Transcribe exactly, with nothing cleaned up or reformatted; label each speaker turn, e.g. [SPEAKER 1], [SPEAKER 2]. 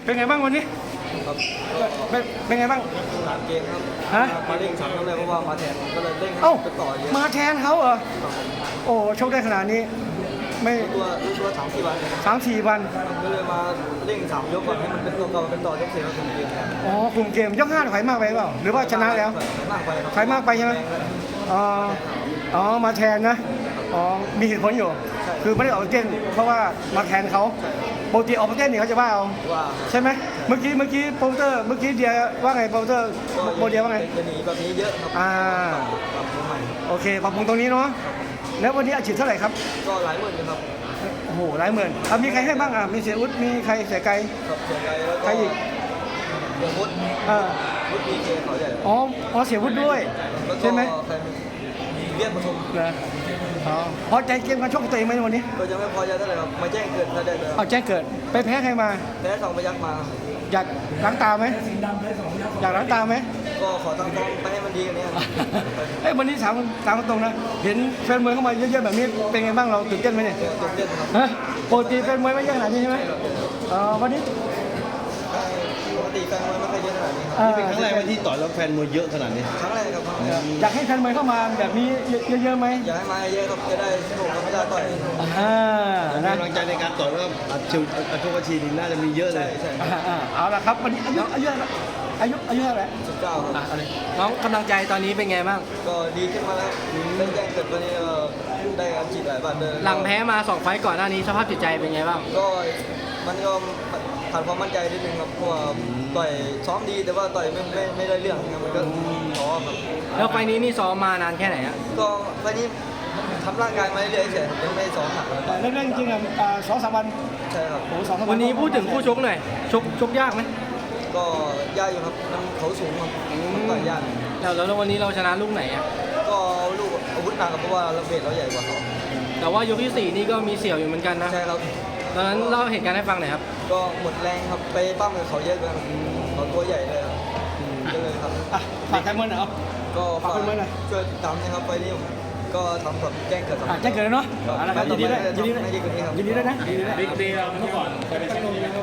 [SPEAKER 1] เป็นไงบ้างวันนี้
[SPEAKER 2] ครับ
[SPEAKER 1] เป็นเป็นไงบ้าง
[SPEAKER 2] หลังเกมครับ
[SPEAKER 1] ฮะ
[SPEAKER 2] มาเร่งสามก็เลยเพราะว่ามาแทนผมก็เลยเร่งให้
[SPEAKER 1] เอ้า
[SPEAKER 2] ไปต่อเยอะ
[SPEAKER 1] มาแทนเขาเหรอ
[SPEAKER 2] ครับผม
[SPEAKER 1] โอ้โชคได้ขนาดนี้ ไม่
[SPEAKER 2] รู้ตัวรู้ตัวสามสี่วันเลย
[SPEAKER 1] สามสี่วัน
[SPEAKER 2] ก็เลยมาเร่งสามยกก่อนให้มันเป็นตัวเก่าเป็นต่อยกเสียแล้วถึงเกมครับ
[SPEAKER 1] อ๋อกลุ่มเกมยกห้าถอยมากไปเปล่าหรือว่าชนะแล้ว
[SPEAKER 2] มากไปครับ
[SPEAKER 1] ถอยมากไปใช่ไหมอ๋ออ๋อมาแทนนะอ๋อมีเหตุผลอยู่ คือไม่ได้ออกไปเต้นเพราะว่ามาแทนเขาปกติออกไปเต้นเนี่ยเขาจะว่าเอา
[SPEAKER 2] ว่า
[SPEAKER 1] ใช่ไหมเมื่อกี้เมื่อกี้โปรโมเตอร์เมื่อกี้เดียว่าไงโปรโมเตอร์โบเดียว่าไง
[SPEAKER 2] จะหนีแบบนี้เยอะครับ
[SPEAKER 1] อ่า
[SPEAKER 2] ปรับปรุงใหม่
[SPEAKER 1] โอเคปรับปรุงตรงนี้เนาะแล้ววันนี้อาชีพเท่าไหร่ครับ
[SPEAKER 2] ก็หลายหมื่นอยู่ครับ
[SPEAKER 1] โอ้โหหลายหมื่นอ่ะมีใครให้บ้างอ่ะมีเสียอุดมีใครเสียไกล
[SPEAKER 2] ครับเสียใจแล้วก็
[SPEAKER 1] ใครอีก
[SPEAKER 2] เดี๋ยววุฒิ
[SPEAKER 1] อ่า
[SPEAKER 2] วุฒิพีเคเขาใหญ่
[SPEAKER 1] อ๋ออ๋อเสียวุฒิด้วย
[SPEAKER 2] แล้วก็
[SPEAKER 1] ใช่ไหม
[SPEAKER 2] ใครเรียกประชุม
[SPEAKER 1] เหรออ๋อพอใจเกมการชกของตัวเองไหมวันนี้
[SPEAKER 2] ก็จะไม่พอใจเท่าไหร่ครับมาแจ้งเกิดถ้าได้เลย
[SPEAKER 1] เอาแจ้งเกิดไปแพ้ใครมา
[SPEAKER 2] แพ้สองพยักมา
[SPEAKER 1] อยากล้างตาไหมอยากล้างตาไหม
[SPEAKER 2] ก็ขอทำฟอร์มไปให้มันดีกันนี้
[SPEAKER 1] เอ้ยวันนี้ถามถามตรงๆนะเห็นแฟนมวยเข้ามาเยอะๆแบบนี้เป็นไงบ้างเราตื่นเต้นไหมเนี่ย
[SPEAKER 2] ตื่นเต้นครับ
[SPEAKER 1] ฮะปกติแฟนมวยไม่เยอะขนาดนี้ใช่ไหมอ๋อวันนี้
[SPEAKER 2] ปกติแฟนมวยไม่เคยเยอะขนาดนี้ครับ
[SPEAKER 1] อ่า
[SPEAKER 3] เป็นครั้งแรกไหมที่ต่อยแล้วแฟนมวยเยอะขนาดนี้
[SPEAKER 2] ครั้งแรกครับ
[SPEAKER 1] อยากให้แฟนมวยเข้ามาแบบนี้เยอะๆไหม
[SPEAKER 2] อยากให้มาเยอะครับจะได้สนุกกับไม่ได้ต่อย
[SPEAKER 1] อ่า
[SPEAKER 3] มี
[SPEAKER 1] นะ
[SPEAKER 3] กำลังใจในการต่อยแล้วอัดชิวอัดโชคอาชีนี่น่าจะมีเยอะเล
[SPEAKER 2] ใช่
[SPEAKER 3] ย
[SPEAKER 2] ใช่
[SPEAKER 1] อ่าอ่าเอาละครับวันนี้อายุอายุเท่าไหร่อายุอายุเท่าไหร่
[SPEAKER 2] สิบเก้าครับ
[SPEAKER 4] น้องกำลังใจตอนนี้เป็นไงบ้าง
[SPEAKER 2] ก็ดีขึ้นมาแล้วได้แจ้งเกิดวันนี้ก็ได้การฉีดหลายบาทเลย
[SPEAKER 4] หลังแพ้มาสองไฟต์ก่อนหน้านี้สภาพจิตใจเป็นไงบ้าง
[SPEAKER 2] ก็มันก็ผ่านความมั่นใจนิดนึงครับเพราะว่าต่อยซ้อมดีแต่ว่าต่อยไม่ไม่ไม่ได้เรื่องครับมันก็ท้อครับ
[SPEAKER 4] แล้วไฟต์นี้นี่ซ้อมมานานแค่ไหนอะ
[SPEAKER 2] ก็วันนี้ทำร่างกายมาเรื่อยๆเฉยๆยังไม่ได้ซ้อมหนักเลย
[SPEAKER 1] เล่นๆจริงๆอ่ะอ่าสองสามวัน
[SPEAKER 2] ใช่ครับ
[SPEAKER 1] โอ้สองสามวัน
[SPEAKER 4] วันนี้พูดถึงคู่ชกหน่อยชกชกยากไหม
[SPEAKER 2] ก็ยากอยู่ครับมันเขาสูงครับมันต่อยยาก
[SPEAKER 4] แล้วแล้ววันนี้เราชนะลูกไหนอะ
[SPEAKER 2] ก็ลูกอาวุธหนักครับเพราะว่าเราเวทเราใหญ่กว่าเขา
[SPEAKER 4] แต่ว่ายกที่สี่นี่ก็มีเสี่ยวอยู่เหมือนกันนะ
[SPEAKER 2] ใช่ครับ
[SPEAKER 4] ตอนนั้นเล่าเหตุการณ์ให้ฟังหน่อยครับ
[SPEAKER 2] ก็หมดแรงครับไปปั้มกับเขาเยอะเกินเขาตัวใหญ่เลยครับก็เลยครับ
[SPEAKER 1] อ่ะฝากแฟนมวยหน่อยเอา
[SPEAKER 2] ก็
[SPEAKER 1] ฝากคนไว้หน่อย
[SPEAKER 2] ช่วยติดตามนะครับไปนี้ผมก็ทำแบบแจ้งเกิด
[SPEAKER 1] อ่ะแจ้งเกิดแล้วเนาะเอาละครับยินดีด้วยยินดีด้วย
[SPEAKER 2] ไม่ดีกว่านี้ครับ
[SPEAKER 1] ยินดีด้วยนะยินดีด้วย